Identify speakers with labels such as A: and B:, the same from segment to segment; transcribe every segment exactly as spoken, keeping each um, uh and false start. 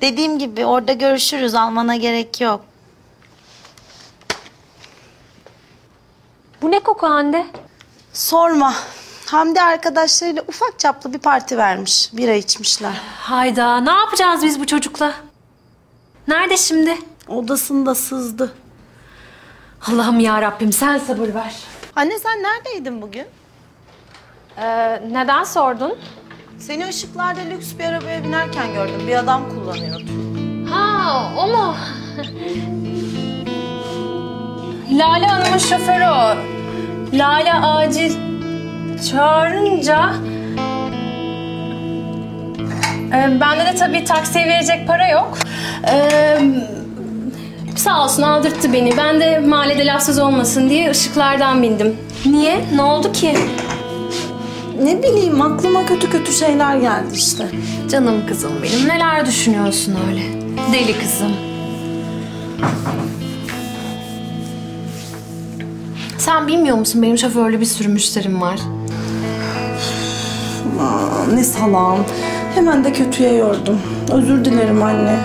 A: Dediğim gibi orada görüşürüz. Almana gerek yok.
B: Bu ne koku Hande?
A: Sorma. Hamdi arkadaşlarıyla ufak çaplı bir parti vermiş. Bira içmişler.
B: Hayda, ne yapacağız biz bu çocukla? Nerede şimdi?
A: Odasında sızdı.
B: Allah'ım ya Rabbim, sen sabır ver.
A: Anne sen neredeydin bugün?
B: Ee, neden sordun?
A: Seni ışıklarda lüks bir arabaya binerken gördüm. Bir adam kullanıyordu.
B: Ha, o mu? Lale Hanım'ın şoförü o. Lale acil çağırınca... Ee, bende de tabii taksiye verecek para yok. Ee, sağ olsun aldırttı beni. Ben de mahallede lafsız olmasın diye ışıklardan bindim. Niye? Ne oldu ki?
A: Ne bileyim aklıma kötü kötü şeyler geldi işte.
B: Canım kızım benim. Neler düşünüyorsun öyle? Deli kızım. Sen bilmiyor musun benim şoförlü bir sürü müşterim var.
A: Aa, ne salağım. Hemen de kötüye yordum. Özür dilerim anne.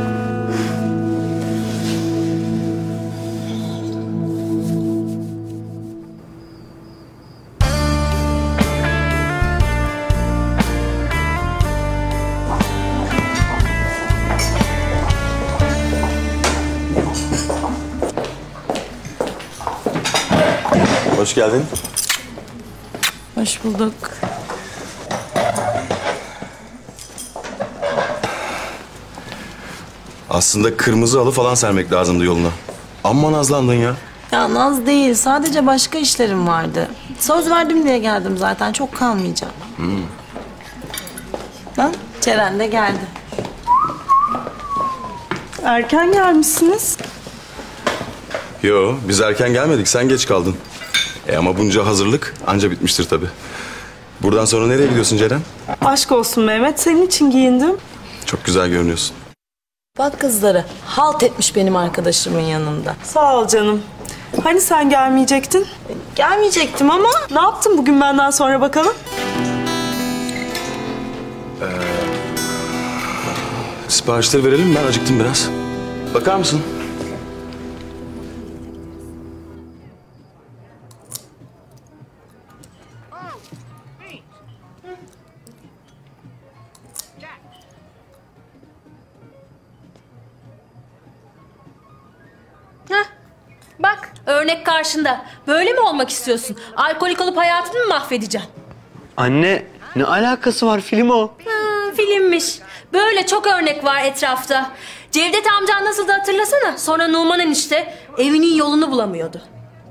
C: Hoş geldin.
A: Hoş bulduk.
C: Aslında kırmızı halı falan sermek lazımdı yoluna. Amma nazlandın ya.
A: Ya naz değil. Sadece başka işlerim vardı. Söz verdim diye geldim zaten. Çok kalmayacağım. Hmm. Lan Ceren de geldi. Erken gelmişsiniz.
C: Yo, biz erken gelmedik. Sen geç kaldın. E ama bunca hazırlık anca bitmiştir tabii. Buradan sonra nereye gidiyorsun Ceren?
D: Aşk olsun Mehmet. Senin için giyindim.
C: Çok güzel görünüyorsun.
A: Bak kızları. Halt etmiş benim arkadaşımın yanında.
D: Sağ ol canım. Hani sen gelmeyecektin?
A: Gelmeyecektim ama...
D: Ne yaptın bugün benden sonra bakalım?
C: Ee, siparişleri verelim. Ben acıktım biraz. Bakar mısın?
B: Heh, bak örnek karşında. Böyle mi olmak istiyorsun? Alkolik olup hayatını mı mahvedeceksin?
E: Anne, ne alakası var? Film o.
B: Ha, filmmiş. Böyle çok örnek var etrafta. Cevdet amcan nasıldı hatırlasana. Sonra Numan enişte evinin yolunu bulamıyordu.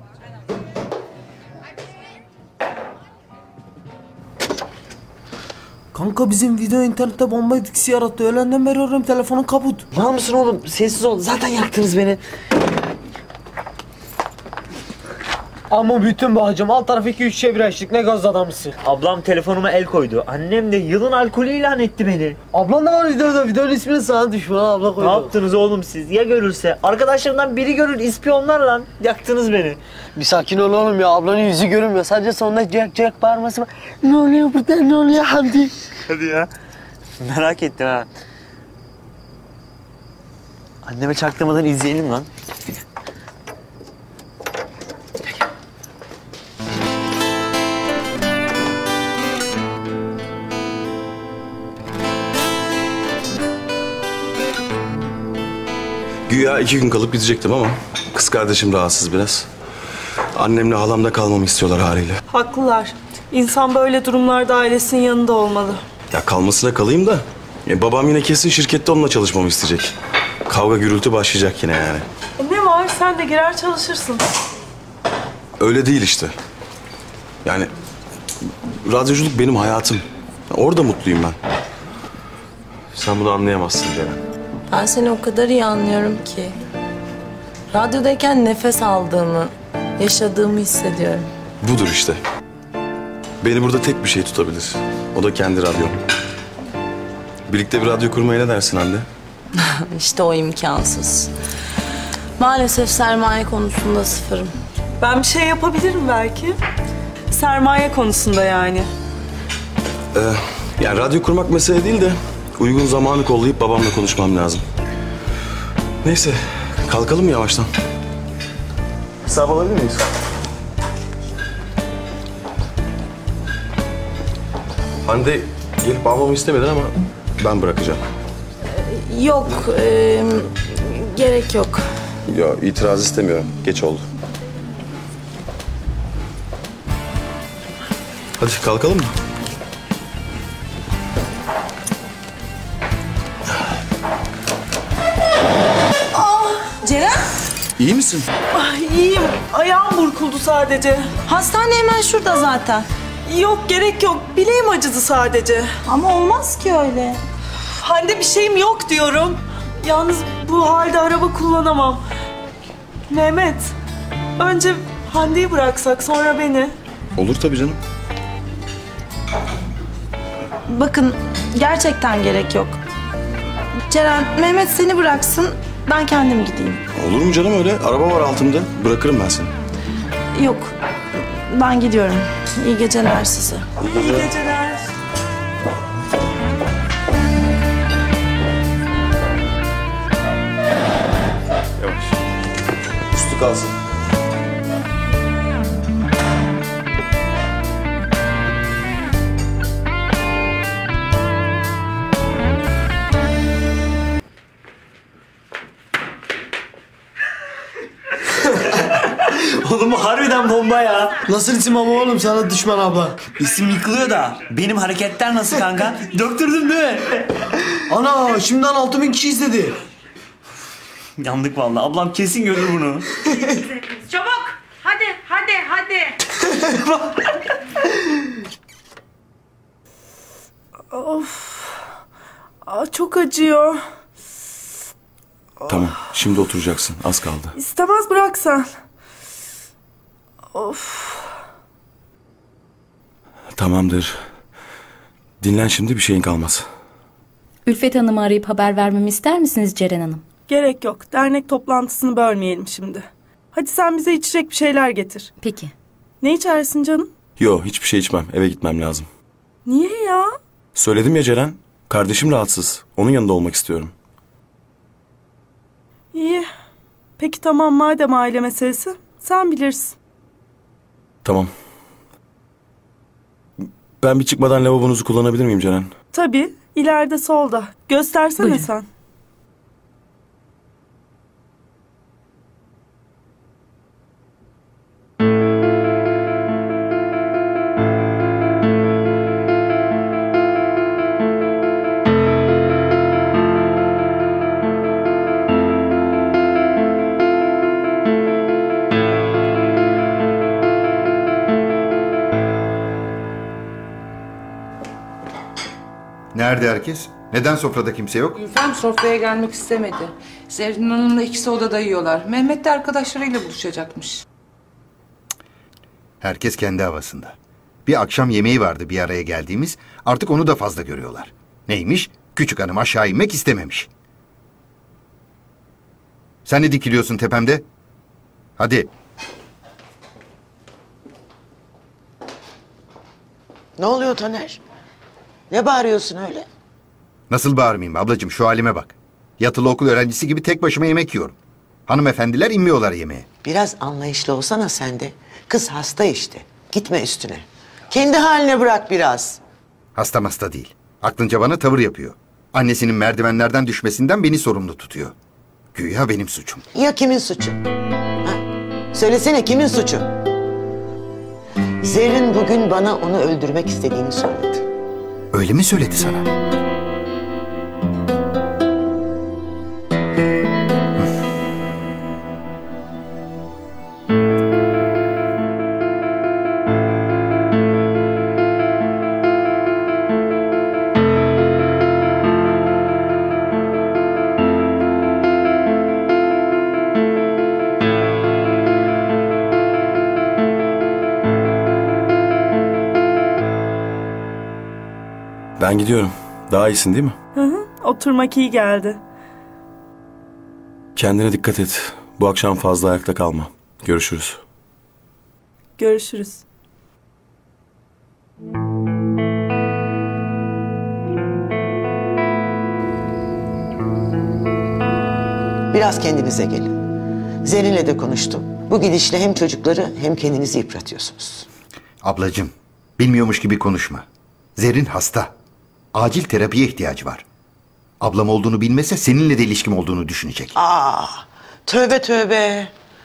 F: Kanka bizim video internette bomba etkisi yarattı. Öğlenden beri arıyorum, telefonun kaput.
E: Var mısın oğlum? Sessiz ol. Zaten yaktınız beni.
F: Ama bütün bahçem alt tarafı iki üç çevir açtık. Ne gaz adamısın.
E: Ablam telefonuma el koydu. Annem de yılın alkolü ilan etti beni.
F: Ablan da var videoda. Videonun ismini sana düşman abla koydu.
E: Ne yaptınız oğlum siz? Ya görürse? Arkadaşlarımdan biri görür, ispiyonlar lan. Yaktınız beni.
F: Bir sakin ol oğlum ya. Ablanın yüzü görünmüyor. Sadece sonunda Jack Jack bağırması var. Ne oluyor burada? Ne oluyor Hamdi?
E: Hadi ya. Merak ettim ha. Anneme çaktırmadan izleyelim lan.
C: Güya iki gün kalıp gidecektim ama kız kardeşim rahatsız biraz. Annemle halam da kalmamı istiyorlar haliyle.
D: Haklılar. İnsan böyle durumlarda ailesinin yanında olmalı.
C: Ya kalmasına kalayım da e, babam yine kesin şirkette onunla çalışmamı isteyecek. Kavga gürültü başlayacak yine yani.
D: E ne var? Sen de girer çalışırsın.
C: Öyle değil işte. Yani radyoculuk benim hayatım. Orada mutluyum ben. Sen bunu anlayamazsın Ceren.
A: Ben seni o kadar iyi anlıyorum ki. Radyodayken nefes aldığımı, yaşadığımı hissediyorum.
C: Budur işte. Beni burada tek bir şey tutabilir. O da kendi radyom. Birlikte bir radyo kurmaya ne dersin anne?
A: İşte o imkansız. Maalesef sermaye konusunda sıfırım.
D: Ben bir şey yapabilirim belki. Sermaye konusunda yani.
C: Ee, yani radyo kurmak mesele değil de uygun zamanı kollayıp babamla konuşmam lazım. Neyse, kalkalım mı yavaştan? Hesap alabilir miyiz? Hande gelip almamı istemedin ama ben bırakacağım.
A: Yok, e, gerek yok.
C: Ya itiraz istemiyorum. Geç oldu. Hadi kalkalım mı?
A: Ceren,
C: İyi misin?
D: Ay, iyiyim. Ayağım burkuldu sadece.
A: hastane hemen şurada zaten.
D: Yok gerek yok. Bileğim acıdı sadece.
A: Ama olmaz ki öyle.
D: Hande bir şeyim yok diyorum. Yalnız bu halde araba kullanamam. Mehmet, önce Hande'yi bıraksak sonra beni.
C: Olur tabii canım.
A: Bakın, gerçekten gerek yok. Ceren, Mehmet seni bıraksın, ben kendim gideyim.
C: Olur mu canım öyle? Araba var altımda. Bırakırım ben seni.
A: Yok, ben gidiyorum. İyi geceler size.
D: İyi geceler.
C: Yavaş. Üstü kalsın.
E: Oğlum bu harbiden bomba ya.
F: Nasıl isim ama oğlum sana düşman abla?
E: İsim yıkılıyor da benim hareketler nasıl kanka? Döktürdün değil mi?
F: Ana şimdiden altı bin kişi izledi.
E: Yandık vallahi. Ablam kesin görür bunu.
G: Çabuk. Hadi, hadi, hadi.
D: Aa, çok acıyor.
C: Tamam, şimdi oturacaksın. Az kaldı.
D: İstemez bıraksan. Of.
C: Tamamdır. Dinlen şimdi, bir şeyin kalmaz.
H: Ülfet Hanım'ı arayıp haber vermemi ister misiniz Ceren Hanım?
D: Gerek yok. Dernek toplantısını bölmeyelim şimdi. Hadi sen bize içecek bir şeyler getir.
H: Peki.
D: Ne içersin canım?
C: Yo, hiçbir şey içmem. Eve gitmem lazım.
D: Niye ya?
C: Söyledim ya Ceren. Kardeşim rahatsız. Onun yanında olmak istiyorum.
D: İyi. Peki tamam, madem aile meselesi. Sen bilirsin.
C: Tamam. Ben bir çıkmadan lavabonuzu kullanabilir miyim Ceren?
D: Tabii. İleride solda. Göstersene
H: Buyurun.
D: sen.
I: Nerede herkes? Neden sofrada kimse yok?
G: Ülfem sofraya gelmek istemedi. Zerrin Hanım'la ikisi odada yiyorlar. Mehmet de arkadaşlarıyla buluşacakmış.
I: Herkes kendi havasında. Bir akşam yemeği vardı bir araya geldiğimiz. Artık onu da fazla görüyorlar. Neymiş? Küçük hanım aşağı inmek istememiş. Sen ne dikiliyorsun tepemde? Hadi.
J: Ne oluyor Taner? Ne bağırıyorsun öyle?
I: Nasıl bağırmayayım ablacığım, şu halime bak. Yatılı okul öğrencisi gibi tek başıma yemek yiyorum. Hanımefendiler inmiyorlar yemeğe.
J: Biraz anlayışlı olsana sen de. Kız hasta işte. Gitme üstüne. Kendi haline bırak biraz.
I: Hasta hasta değil. Aklınca bana tavır yapıyor. Annesinin merdivenlerden düşmesinden beni sorumlu tutuyor. Güya benim suçum.
J: Ya kimin suçu? Ha? Söylesene, kimin suçu? Zerrin bugün bana onu öldürmek istediğini söyledi.
I: Öyle mi söyledi sana?
C: Ben gidiyorum. Daha iyisin değil mi?
D: Hı hı. Oturmak iyi geldi.
C: Kendine dikkat et. Bu akşam fazla ayakta kalma. Görüşürüz.
D: Görüşürüz.
J: Biraz kendinize gelin. Zerrin'le de konuştum. Bu gidişle hem çocukları hem kendinizi yıpratıyorsunuz.
I: Ablacığım, bilmiyormuş gibi konuşma. Zerrin hasta. Acil terapiye ihtiyacı var. Ablam olduğunu bilmese seninle de ilişkim olduğunu düşünecek.
J: Aa, tövbe tövbe.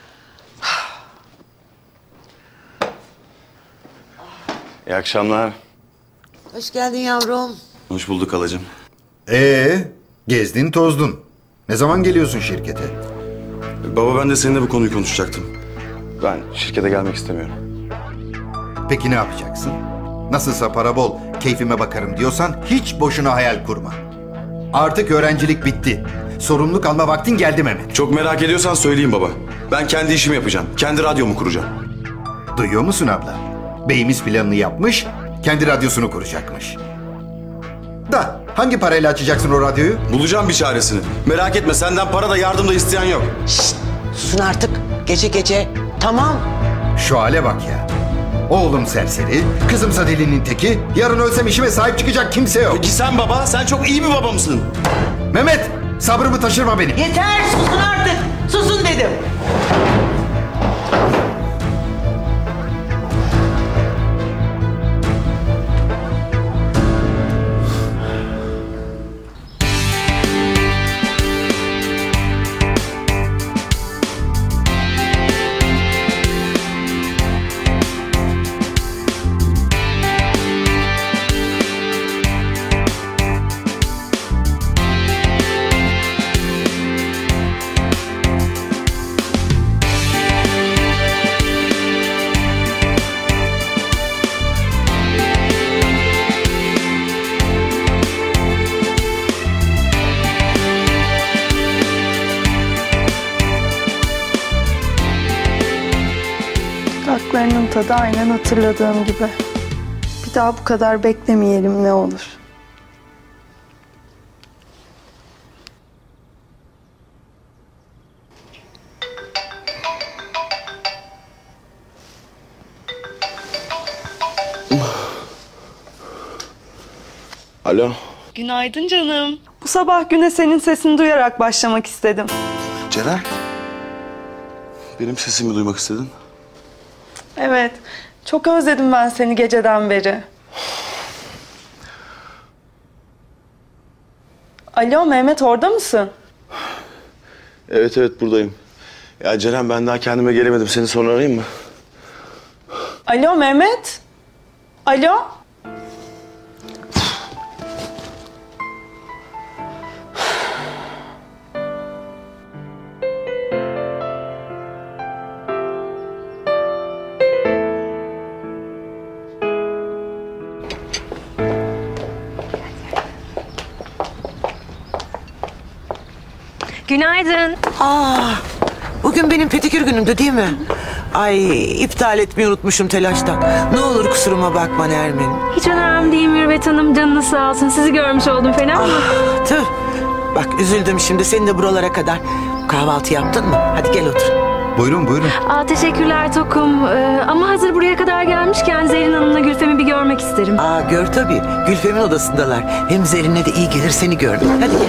C: İyi akşamlar.
J: Hoş geldin yavrum.
C: Hoş bulduk halacığım.
I: Ee, gezdin tozdun. Ne zaman geliyorsun şirkete?
C: Baba ben de seninle bu konuyu konuşacaktım. Ben şirkete gelmek istemiyorum.
I: Peki ne yapacaksın? Nasılsa para bol, keyfime bakarım diyorsan hiç boşuna hayal kurma. Artık öğrencilik bitti. Sorumluluk alma vaktin geldi Mehmet.
C: Çok merak ediyorsan söyleyeyim baba. Ben kendi işimi yapacağım. Kendi radyomu kuracağım.
I: Duyuyor musun abla? Beyimiz planını yapmış, kendi radyosunu kuracakmış. Da hangi parayla açacaksın o radyoyu?
C: Bulacağım bir çaresini. Merak etme, senden para da yardım da isteyen yok.
J: Şşt, susun artık. Gece gece. Tamam.
I: Şu hale bak ya. Oğlum serseri, kızımsa delinin teki. Yarın ölsem işime sahip çıkacak kimse yok.
C: Peki sen baba, sen çok iyi bir baba mısın?
I: Mehmet, sabrımı taşırma benim.
J: Yeter, susun artık. Susun dedim.
D: Tatlarının tadı aynen hatırladığım gibi. Bir daha bu kadar beklemeyelim ne olur.
C: Alo.
D: Günaydın canım. Bu sabah güne senin sesini duyarak başlamak istedim.
C: Ceren. Benim sesimi duymak istedin.
D: Evet, çok özledim ben seni geceden beri. Alo Mehmet, orada mısın?
C: Evet evet buradayım. Ya Ceren ben daha kendime gelemedim. Seni sonra arayayım mı?
D: Alo Mehmet? Alo?
B: Günaydın.
J: Aa, bugün benim pedikür günümdü değil mi? Ay, iptal etmeyi unutmuşum telaştan. Ne olur kusuruma bakma Nermin.
B: Hiç önemli değil Mürvet Hanım. Canınız sağ olsun. Sizi görmüş oldum. Fena mı?
J: Ah, tüh. Bak üzüldüm şimdi seni de buralara kadar. Kahvaltı yaptın mı? Hadi gel otur.
I: Buyurun buyurun.
B: Aa, teşekkürler Tokum. Ee, ama hazır buraya kadar gelmişken Zerrin Hanım'la Gülfem'i bir görmek isterim.
J: Aa, gör tabii. Gülfem'in odasındalar. Hem Zerrin'e de iyi gelir seni görmek. Hadi gel.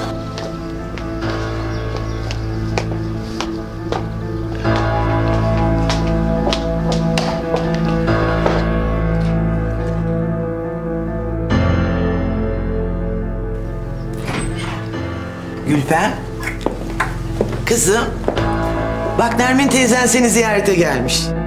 J: Gülfem. Kızım. Bak Nermin teyzen seni ziyarete gelmiş.